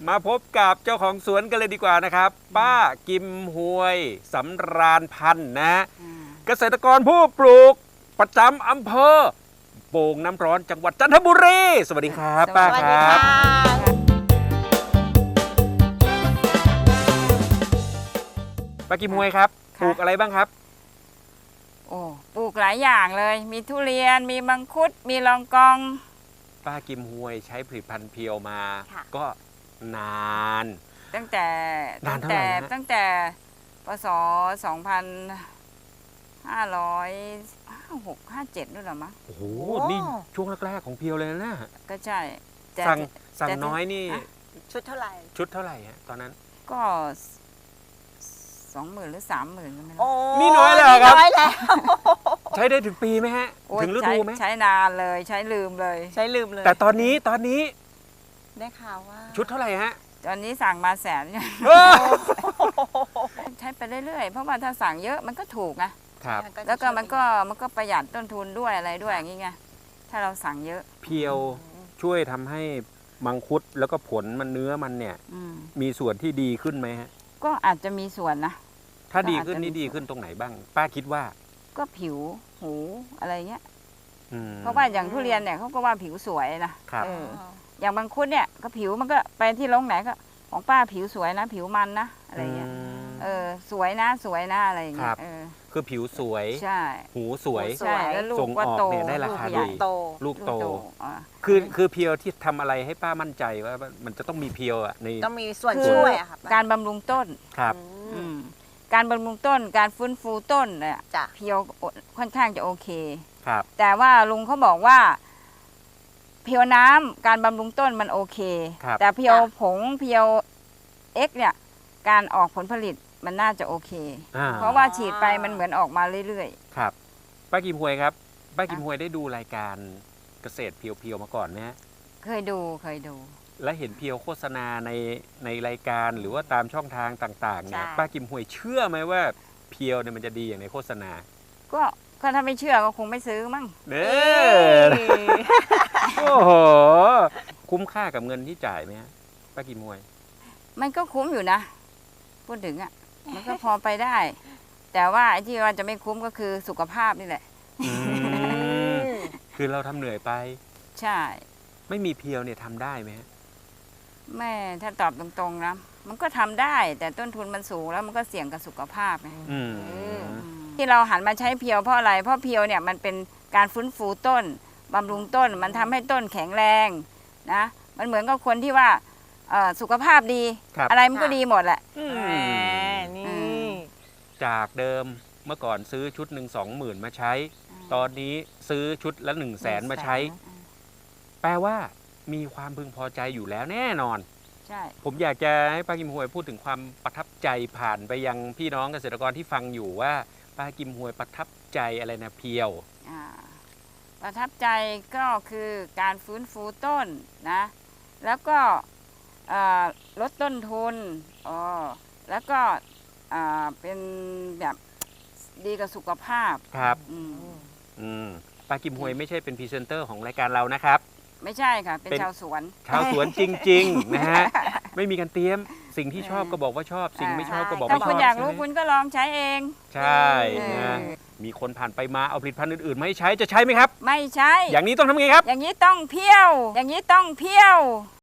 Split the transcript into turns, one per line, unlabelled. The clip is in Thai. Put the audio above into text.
มาพบกับเจ้าของสวนกันเลยดีกว่านะครับ ป้ากิมหวยสำราญพันธ์นะเกษตรกรผู้ปลูกประจำอำเภอโป่งน้ำร้อนจังหวัดจันทบุรีสวัสดีครับป้าครับป้ากิมหวยครับปลูกอะไรบ้างครับ
โอ้ปลูกหลายอย่างเลยมีทุเรียนมีมังคุดมีลองกอง
ป้ากิมหวยใช้ผลิตภัณฑ์เพียวมาก็นาน
ตั้งแต่พศ2556-57นู่นหรอมั้ง
โอ้โหนี่ช่วงแรกๆของเพียวเลยนะ
ก็ใช่
สั่งน้อยนี่
ชุดเท่าไหร่
ฮะตอนนั้น
ก็20,000 หรือ 30,000ก็ไม่รู้
นี่น้อยแล้วครับใช้ได้ถึงปีไหมฮะถึงฤดูไหม
ใช้นานเลยใช้ลืมเลย
แต่ตอนนี้
ได้ข่าวว่า
ชุดเท่าไหร่ฮะ
ตอนนี้สั่งมา100,000ใช้ไปเรื่อยๆเพราะว่าถ้าสั่งเยอะมันก็ถูกนะครับแล้วก็มันก็ประหยัดต้นทุนด้วยอะไรด้วยอย่างงี้ไงถ้าเราสั่งเยอะ
เพียวช่วยทำให้มังคุดแล้วก็ผลมันเนื้อมันเนี่ยมีส่วนที่ดีขึ้นไหมฮะ
ก็อาจจะมีส่วนนะ
ถ้าดีขึ้นนี่ดีขึ้นตรงไหนบ้างป้าคิดว่า
ก็ผิวหูอะไรเงี้ยเพราะว่าอย่างทุเรียนเนี่ยเขาก็ว่าผิวสวยนะครับอย่างมังคุดเนี่ยก็ผิวมันก็ไปที่โรงไหนก็ของป้าผิวสวยนะผิวมันนะอะไรเงี้ยสวยนะอะไรอย่างเงี้ย
คือผิวสวย
ใช่
หูสวย
ใช่แล้วลูกก็โต
ได้ราคาดีลูกโตคือเพียวที่ทำอะไรให้ป้ามั่นใจว่ามันจะต้องมีเพียวอ่ะใน
ต้องมีส่วนช่วยอะครับ
การบำรุงต้น
ครับ
การบำรุงต้นการฟื้นฟูต้นเนี่ยเพียวค่อนข้างจะโอเค
ครับ
แต่ว่าลุงเขาบอกว่าเพียวน้ำการบำรุงต้นมันโอเคแต่เพียวผงเพียวเอ็กเนี่ยการออกผลผลิตมันน่าจะโอเคเพราะว่าฉีดไปมันเหมือนออกมาเรื่อย
ๆครับป้ากิมหวยครับป้ากิมหวยได้ดูรายการเกษตรเพียวๆมาก่อนไหมฮะ
เคยดู
และเห็นเพียวโฆษณาในรายการหรือว่าตามช่องทางต่างๆเนี่ยป้ากิมหวยเชื่อไหมว่าเพียวเนี่ยมันจะดีอย่างในโฆษณา
ก็ถ้าไม่เชื่อก็คงไม่ซื้อมั้ง
โอ้โหคุ้มค่ากับเงินที่จ่ายไหมฮะป้ากิมหวย
มันก็คุ้มอยู่นะพูดถึงอ่ะมันก็พอไปได้แต่ว่าไอ้ที่ว่าจะไม่คุ้มก็คือสุขภาพนี่แหละ
คือเราทำเหนื่อยไป
ใช่
ไม่มีเพียวเนี่ยทำได้ไหมฮะ
แม่ถ้าตอบตรงๆนะมันก็ทำได้แต่ต้นทุนมันสูงแล้วมันก็เสี่ยงกับสุขภาพไงที่เราหันมาใช้เพียวเพราะอะไรเพราะเพียวเนี่ยมันเป็นการฟื้นฟูต้นบำรุงต้นมันทำให้ต้นแข็งแรงนะมันเหมือนกับคนที่ว่าสุขภาพดีอะไรมันก็ดีหมดแหละ
นี่
จากเดิมเมื่อก่อนซื้อชุดหนึ่ง20,000มาใช้ตอนนี้ซื้อชุดละ100,000มาใช้แปลว่ามีความพึงพอใจอยู่แล้วแน่นอน
ใช่
ผมอยากจะให้ป้ากิมหวยพูดถึงความประทับใจผ่านไปยังพี่น้องเกษตรกรที่ฟังอยู่ว่าป้ากิมหวยประทับใจอะไรนะเพียว
ประทับใจก็คือการฟื้นฟูต้นนะแล้วก็ลดต้นทุนแล้วก็เป็นแบบดีกับสุขภาพ
ครับป้ากิมหวยไม่ใช่เป็นพรีเซนเตอร์ของรายการเรานะครับ
ไม่ใช่ค่ะเป็นชาวสวน
จริงๆนะฮะไม่มีการเตรียมสิ่งที่ชอบก็บอกว่าชอบสิ่งไม่ชอบก็บอกไม่ชอบ
ถ้าคุณอยากรู้คุณก็ลองใช้เอง
ใช่นะมีคนผ่านไปมาเอาผลิตภัณฑ์อื่นๆมาให้ใช้จะใช้ไหมครับ
ไม่ใช้
อย่างนี้ต้องทำไงครับ
อย่างนี้ต้องเพี้ยว